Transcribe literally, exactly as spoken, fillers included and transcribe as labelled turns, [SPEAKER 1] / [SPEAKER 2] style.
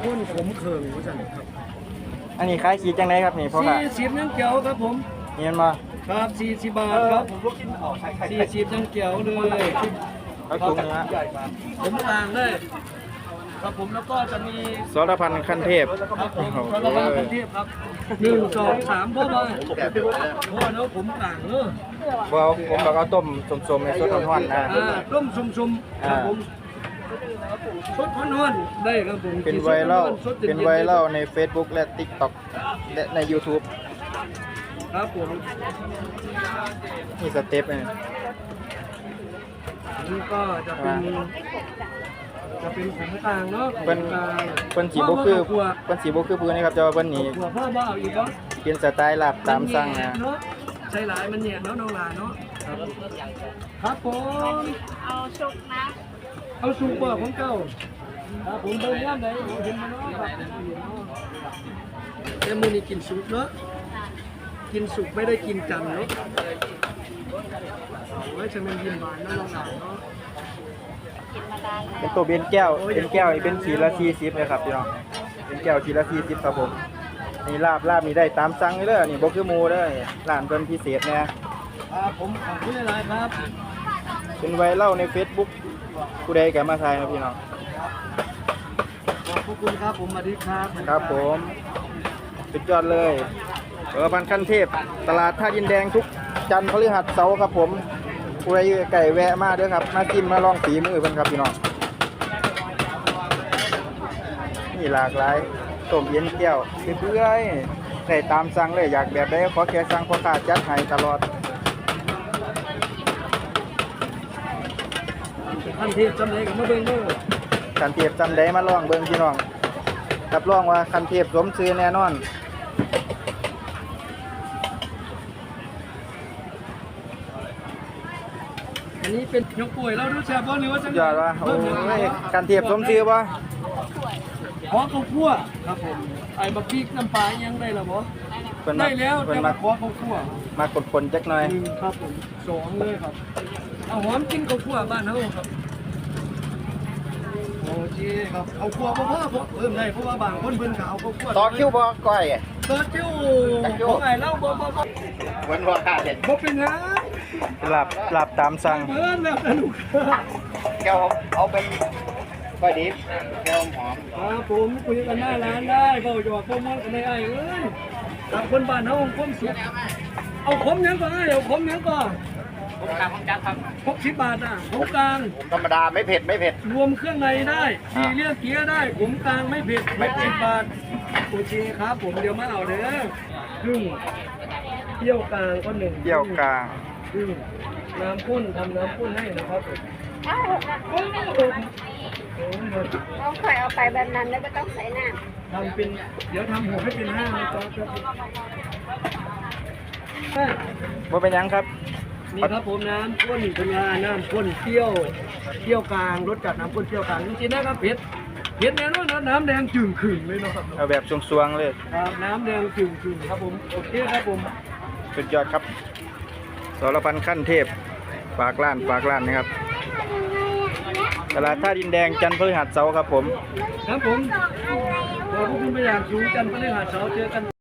[SPEAKER 1] ข้นขมเคืองว่าสั่นครับ
[SPEAKER 2] อันนี้ขายขีดจังไดครับนี่พ่อค่ะ
[SPEAKER 1] สี่สิบนั่งเกียวครับผม
[SPEAKER 2] เห็นบ่
[SPEAKER 1] ครับสี่สิบบาทครับสี่สิบนั่งเกียวเลย
[SPEAKER 2] เอาถุงเนื้อ
[SPEAKER 1] ผมต่างเลยครับผมแล้วก็จะมี
[SPEAKER 2] สรพันธ์ขั้นเทพ
[SPEAKER 1] ครับผม
[SPEAKER 2] โอ้โห
[SPEAKER 1] สารพัดกรุงเทพครับหนึ่งสองสามพ่อมาพ่อเนาะผมต่างเนาะ
[SPEAKER 2] บ่เอาผมบอกเอาต้มสมๆในสดร้อนๆนะ
[SPEAKER 1] อ่าต้มชุมๆครับผมสดร้อนๆได้ครับผม
[SPEAKER 2] เป็นไวรัล
[SPEAKER 1] สดย็ๆ
[SPEAKER 2] เป็นไวรัลใน Facebook และ TikTok และใน YouTube
[SPEAKER 1] ครับผม
[SPEAKER 2] นี่สเต็ปนี่
[SPEAKER 1] นี่ก็จะเป็นจะเป็นของกลางเนาะของ
[SPEAKER 2] เพิ่น
[SPEAKER 1] กลาง
[SPEAKER 2] เพิ่นสีบ่คือ
[SPEAKER 1] พ่บ่
[SPEAKER 2] เพิ่นสีบ่คือพื้นนี่ครับแต่ว่าเพิ่นนี่
[SPEAKER 1] หัวพ่อบ่เอาอีกบ่
[SPEAKER 2] เป็นสไตล์ลาบตามสั่งนะ
[SPEAKER 1] เนาะใช้หลายมันเนี่ยเนาะน้องหลานเนาะครับครับผม
[SPEAKER 3] เอาชุกนะ
[SPEAKER 1] เอาสูงกว่าของเก่าครับผมเบิ่งย่ามใดผมเห็นมาเนาะแต่มื้อนี้กินสุกเนาะกินสุกไม่ได้กินจันทร์เนาะไว้จะเป็นยินหวานเนาะน้องหลานเนาะ
[SPEAKER 3] กินมานานแล้ว
[SPEAKER 2] เป็นตัวเบนแก้วเป็นแก้วนี่เป็นขีดละสี่สิบเลยครับพี่น้องเป็นแก้วขีดละสี่สิบครับผมนี่ลาบลาบนี่ได้ตามสั่งเลยเด้อนี่บ่คือหมูเด้อร้านเพิ่นพิเศษแน่
[SPEAKER 1] ครับผมขอบคุณหลายๆครับ
[SPEAKER 2] เป็นไวรัลใน Facebook ผู้ใดก็มาถ่ายนะพี่น้อง
[SPEAKER 1] ขอบคุณครับผมสวัสดีครับ
[SPEAKER 2] ครับผมสุดยอดเลยสรพันธ์ขั้นเทพตลาดท่าดินแดงทุกจันทร์พฤหัสเสาร์ครับผมผู้ใดอยู่ไก่แวะมาเด้อครับมากินมาลองฝีมือเพิ่นครับพี่น้องนี่หลากหลายต้มเย็นแก้วเรื่อยๆได้ตามสั่งเลยอยากแบบใดขอแค่สั่งพ่อค้าจัดให้ตลอด
[SPEAKER 1] ท่านเทพจำเลยกับมาเบิ่งเด้อ
[SPEAKER 2] คันเทพจำได้มาลองเบิ่งพี่น้องรับรองว่าคันเทพสมชื่อแน่นอน
[SPEAKER 1] อันนี้เป็นยกป่วยแล้วรู้จักบ่หรือว่าจัง
[SPEAKER 2] ยอดว่าโอ้ยคันเทพสมชื่อบ่
[SPEAKER 1] ขอข้าวคั่วครับผมไอ้บักพริกน้ำปลายังได้แล้วบ่
[SPEAKER 2] เพิ่น
[SPEAKER 1] ได้
[SPEAKER 2] มา
[SPEAKER 1] แล้ว
[SPEAKER 2] เพิ่น
[SPEAKER 1] แต่
[SPEAKER 2] มา
[SPEAKER 1] มาขอข้าวคั่ว
[SPEAKER 2] มากดคนจักหน่อย
[SPEAKER 1] หนึ่งครับผมสองเลยครับเอาหอมกินข้าวคั่วบ้านเฮาครับโอเคครับข้าวคั่วบ่พอเพราะเพิ่มได้เพราะว่าบางคนเพิ่นก็เอาข้าวคั่ว
[SPEAKER 2] ต่อคิวบ่ก้อย
[SPEAKER 1] ต่อคิวของไอ้เล่าบ่บ่บ่
[SPEAKER 2] วันว่าค่าเด็ด
[SPEAKER 1] บ่เป็นหยัง
[SPEAKER 2] หลับหลับตามสั่ง
[SPEAKER 1] เพิ่นแบบสนุก
[SPEAKER 2] แก้วเอาไปก้อยดิบแก้วหอม
[SPEAKER 1] ครับผมคุยกันหน้าร้านได้เบาหยอกพวกมันกันได้ไอ้เอ้ยกับคนบ้านเฮาคมสุดเอาขมหยังก่อนไอ้เอาขมหยังก่อน
[SPEAKER 2] ผมกลางผมจัดครับ
[SPEAKER 1] หกสิบบาทอ่ะผมกลาง
[SPEAKER 2] ผมธรรมดาไม่เผ็ดไม่เผ็ด
[SPEAKER 1] รวมเครื่องในได้ทีเรียกเกียร์ได้ผมกลางไม่เผ็ดไม่สิบบาทโอเคครับผมเดี๋ยวมาเอาเด้อครึ่งเปรี้ยวกลางก็หนึ่ง
[SPEAKER 2] เปรี้ยวกลาง
[SPEAKER 1] ครึ่งน้ำข้นทำน้ำข้นให้นะครับผม
[SPEAKER 3] เอ้า
[SPEAKER 1] โ
[SPEAKER 3] นี่
[SPEAKER 1] อ้โห
[SPEAKER 3] เราเคยเอาไปแบบนั้นแล้วไม่ต้องใส่น้
[SPEAKER 1] ทำเป็นเดี๋ยวทำหัวให้เป็นห้านะจ๊ะ
[SPEAKER 2] บ่เป็นหยังครับ
[SPEAKER 1] นี่ครับผมน้ำข้นเป็นงาน้ำข้นเปรี้ยวเปรี้ยวกลางรสจัดน้ำข้นเปรี้ยวกลางจริงๆนะครับเผ็ดเผ็ดแน่นอนนะน้ำแดงจึงขึงเลยเนาะครับ
[SPEAKER 2] เอาแบบสวงๆเลย
[SPEAKER 1] ครับน้ำแดงจึงขึงครับผมโอเคครับผม
[SPEAKER 2] สุดยอดครับสรพันธ์ขั้นเทพฝากร้านฝากร้านนะครับตลาดท่าดินแดงจันทร์พฤหัสเสาร์ครับผม
[SPEAKER 1] ครับผมขอบคุณไปอย่างสูงจันทร์พฤหัสเสาร์เจอกัน